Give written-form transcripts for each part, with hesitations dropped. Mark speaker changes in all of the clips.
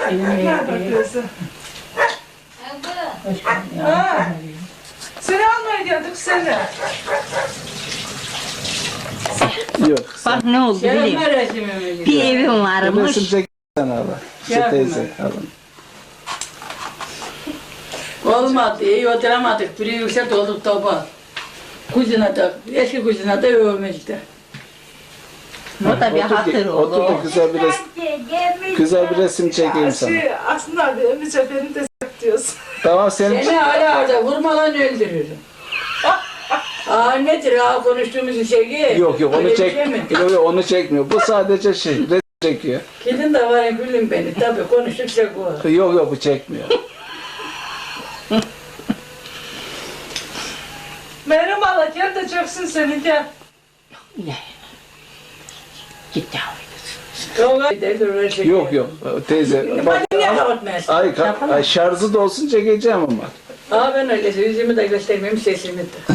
Speaker 1: Nerede teyze? Ha. Seni almaya geldik seni.
Speaker 2: Yok.
Speaker 3: Bak ne oldu bileyim. Bir evim varmış.
Speaker 2: Resim çeksen Allah. Şu teyze alın.
Speaker 4: Olmadı, iyi oturamadık. Biri yüksek olduk topa. Kuzuna da, eski kuzuna da övmüştü.
Speaker 3: O da bir hatır
Speaker 2: Otur da
Speaker 3: oldu.
Speaker 2: güzel bir resim çekeyim sana.
Speaker 1: Aslında abi Emice beni de diyorsun.
Speaker 2: Tamam senin
Speaker 4: Seni hala orada vurmadan öldürürüm. Nedir konuştuğumuz şey?
Speaker 2: Yok onu
Speaker 4: Öyle bir
Speaker 2: çek.
Speaker 4: şey mi?
Speaker 2: Yok onu çekmiyor. Bu sadece resim çekiyor.
Speaker 4: Kedin de var gülüm beni. Tabii konuştukça bu.
Speaker 2: Yok bu çekmiyor.
Speaker 1: Meryem abla gel de çöksün seni gel.
Speaker 3: Git yavrum.
Speaker 2: Yok teyze. Bak,
Speaker 4: Niye kapatmayasın?
Speaker 2: ay şarjı da olsun çekeceğim ama.
Speaker 4: Ben öyle yüzümü de göstermeyeyim sesimi de.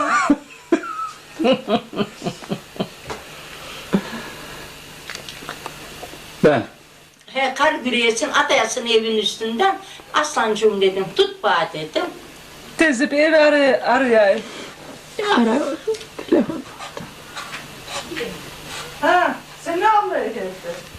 Speaker 2: Ben.
Speaker 3: He kar güreyesin atayasın evin üstünden. Aslancığım dedim tut bana dedim.
Speaker 1: Teyze bir evi arayayım.
Speaker 3: Ara telefon.
Speaker 1: Ha, seni almaya geldi.